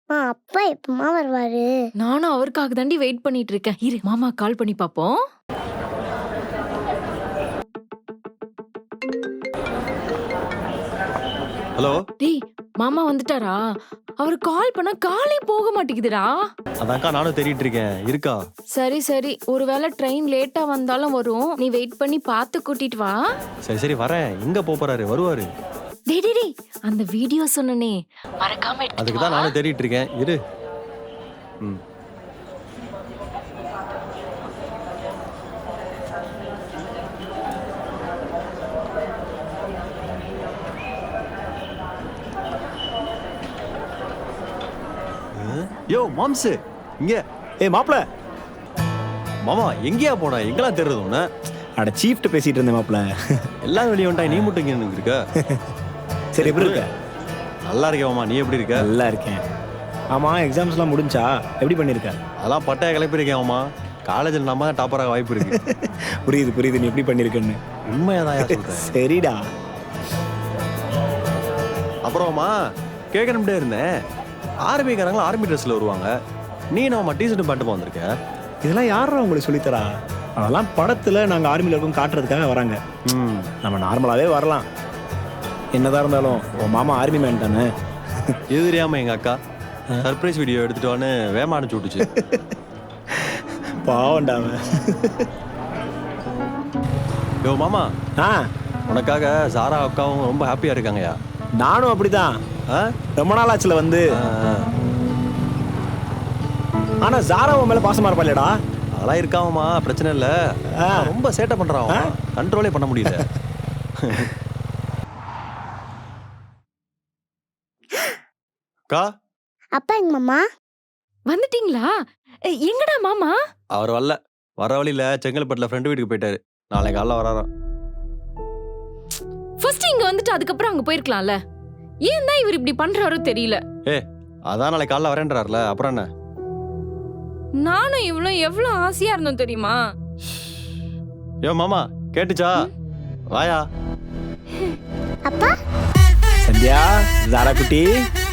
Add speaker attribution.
Speaker 1: அப்பா எப்பமா வருவாரு?
Speaker 2: நானும் அவருக்காக தாண்டி வெயிட் பண்ணிட்டு இருக்கேன். இரு மாமா கால் பண்ணி பாப்போம்.
Speaker 3: ஹலோ.
Speaker 2: டேய் மாமா வந்துட்டாரா? அவர் கால் பண்ணா காலே போக மாட்டேங்குதுடா.
Speaker 3: அதான்க்கா நானும் தேடிட்டு இருக்கேன். இருக்கா?
Speaker 2: சரி சரி, ஒருவேளை ட்ரெயின் லேட்டா வந்தாலும் வரும். நீ வெயிட் பண்ணி பார்த்து கூட்டிட்டு வா.
Speaker 3: சரி சரி வரேன். எங்க போறாரு? வருவாரு.
Speaker 2: டேய் டேய் டேய், அந்த வீடியோ சொன்னனே மறக்காம எடுத்துட்டு
Speaker 3: அதுக்கு தான்
Speaker 2: வா.
Speaker 3: நானும் தேடிட்டு இருக்கேன். இரு. ம். யோ மாம்சு இங்க.
Speaker 4: ஏய் மாப்ள.
Speaker 3: மாமா எங்கேயா போன? எங்கெல்லாம் தேடுறது உன்ன?
Speaker 4: அட சீஃப்ட் பேசிட்டு இருந்தேன் மாப்ள.
Speaker 3: எல்லாம் வெளியே வந்துட்டா, நீ மட்டும் இங்க இருக்க?
Speaker 4: சரி எப்படி இருக்க?
Speaker 3: நல்லா இருக்கேன் மாமா. நீ எப்படி இருக்க?
Speaker 4: நல்லா இருக்கேன். ஆமா எக்ஸாம்ஸ்லாம் முடிஞ்சா? எப்படி பண்ணிருக்க?
Speaker 3: அதெல்லாம் பட்டைய கிளப்பியிருக்கேன் மாமா. காலேஜில் நம்ம தான் டாப்பராக வாய்ப்பு இருக்கு.
Speaker 4: புரியுது புரியுது, நீ எப்படி பண்ணிருக்கன்னு.
Speaker 3: உண்மையாதான் சொல்றேன்.
Speaker 4: சரிடா.
Speaker 3: அப்புறமா கேட்கணும்ட்டே இருந்தேன். ஆர்மிக்காரங்களும் ஆர்மி ட்ரெஸ்ல வருவாங்க. நீ நம்ம டிஷர்ட் பேண்ட் வந்திருக்க.
Speaker 4: இதெல்லாம் யாரா உங்களுக்கு சொல்லித்தரா? அதெல்லாம் படத்துல நாங்க ஆர்மில இருக்கோம் காட்டுறதுக்காக வராங்க. நம்ம நார்மலாவே வரலாம். என்னதான் இருந்தாலும் உன் மாமா ஆர்மி மேன் தானே.
Speaker 3: இது தெரியாம எங்க அக்கா சர்ப்ரைஸ் வீடியோ எடுத்துட்டு வான்னு வேமா அனுப்பிச்சு விட்டுச்சு.
Speaker 4: பாவண்டாவ.
Speaker 3: யோ மாமா,
Speaker 4: ஆ
Speaker 3: உனக்காக சாரா அக்காவும் ரொம்ப ஹாப்பியா இருக்காங்கயா.
Speaker 4: நானும் அப்படிதான்.
Speaker 3: ஆ?
Speaker 4: ரொம்ப நாள் ஆச்சுல வந்து. ஆனா ஜாரா உன் மேல பாசமா இருப்பாளேடா.
Speaker 3: அதெல்லாம் இருக்காமமா, பிரச்சனை இல்ல. ரொம்ப சேட்டை பண்றான். கண்ட்ரோலே பண்ண முடியல. அக்கா.
Speaker 1: அப்பா எங்க மாமா?
Speaker 2: வந்துட்டீங்களா? எங்கடா மாமா?
Speaker 3: அவர் வரல. வர வழியில செங்கல்பட்டுல ஃப்ரெண்ட் வீட்டுக்கு போயிட்டாரு. நாளைக்கு காலைல வராராம்.
Speaker 2: ஃபர்ஸ்ட் இங்க வந்துட்டு அதுக்கப்புறம் அங்க போயிருக்கலாம்ல. ஏன் தான் இவர் இப்படி பண்றாரோ தெரியல.
Speaker 3: அதான் நாளைக்கு காலைல வரேன்றாருல, அப்புறம் என்ன?
Speaker 2: நானும் இவ்வளவு எவ்வளவு ஆசையா இருந்தோம் தெரியுமா?
Speaker 3: யோ மாமா கேட்டுச்சா? வாயா.
Speaker 1: அப்பா
Speaker 4: சந்தியா, ஜாரா குட்டி